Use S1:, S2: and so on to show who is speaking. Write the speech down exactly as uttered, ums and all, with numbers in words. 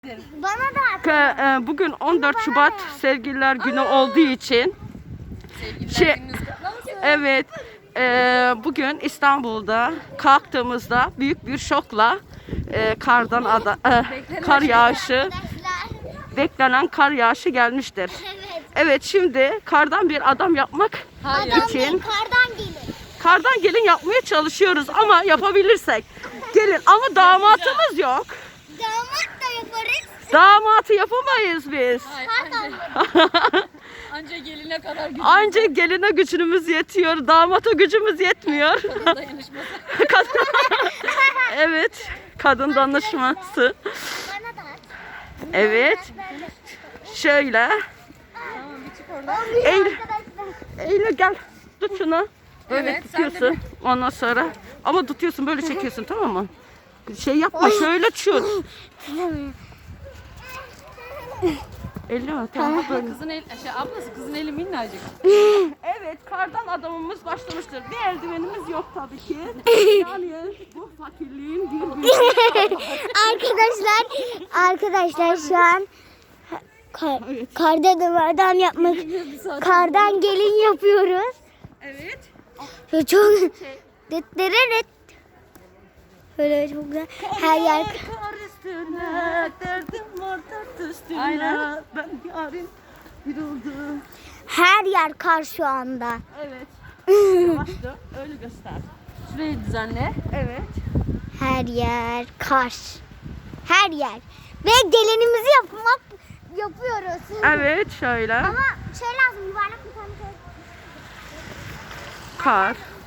S1: Bana da. Bugün on dört Şubat Sevgililer Günü olduğu için şey, evet e, bugün İstanbul'da kalktığımızda büyük bir şokla e, kardan ada, e, kar yağışı beklenen kar yağışı gelmiştir.
S2: Evet.
S1: Evet, şimdi kardan bir adam yapmak
S2: Hayır.
S1: için
S2: Kardan gelin.
S1: kardan gelin yapmaya çalışıyoruz ama yapabilirsek gelin, ama damatımız yok.
S2: Damat da yaparız.
S1: Damatı yapamayız biz.
S2: Kardan.
S3: Anca geline kadar gücümüz
S1: Anca geline gücümüz yetiyor, damata gücümüz yetmiyor.
S3: kadın dayanışması.
S1: Evet, kadın danışması.
S2: Bana da.
S1: Evet, şöyle.
S3: Tamam, bir çık oradan.
S1: Eylül, Eylül gel, tut şunu. Böyle
S3: Evet, sen de
S1: tutuyorsun. Ondan sonra, ama tutuyorsun, böyle çekiyorsun, tamam mı? Şey yapma, şöyle çut. Elli mi? Tamam, böyle.
S3: Kızın el, şey, ablası kızın eli minnacık.
S1: Evet, kardan adamımız başlamıştır. Bir eldivenimiz yok tabii ki. Yani bu fakirliğin bir büyüğü.
S2: Arkadaşlar, arkadaşlar şu an kar, kardan adam yapmak, kardan gelin yapıyoruz.
S1: Evet.
S2: Ve çok detlereret. Böyle çok güzel. Her yer
S1: Kar üstüne, derdim var dert üstüne.
S3: Aynen.
S1: Ben yarın bir oldum.
S2: her yer kar şu anda.
S1: Evet. Yavaş dön, öyle göster.
S3: Şurayı düzenle.
S1: Evet.
S2: Her yer kar. Her yer. Ve gelinimizi yapmak yapıyoruz.
S1: Evet, şöyle.
S2: Ama şey lazım, yuvarlak bir tane şey.
S1: Kar.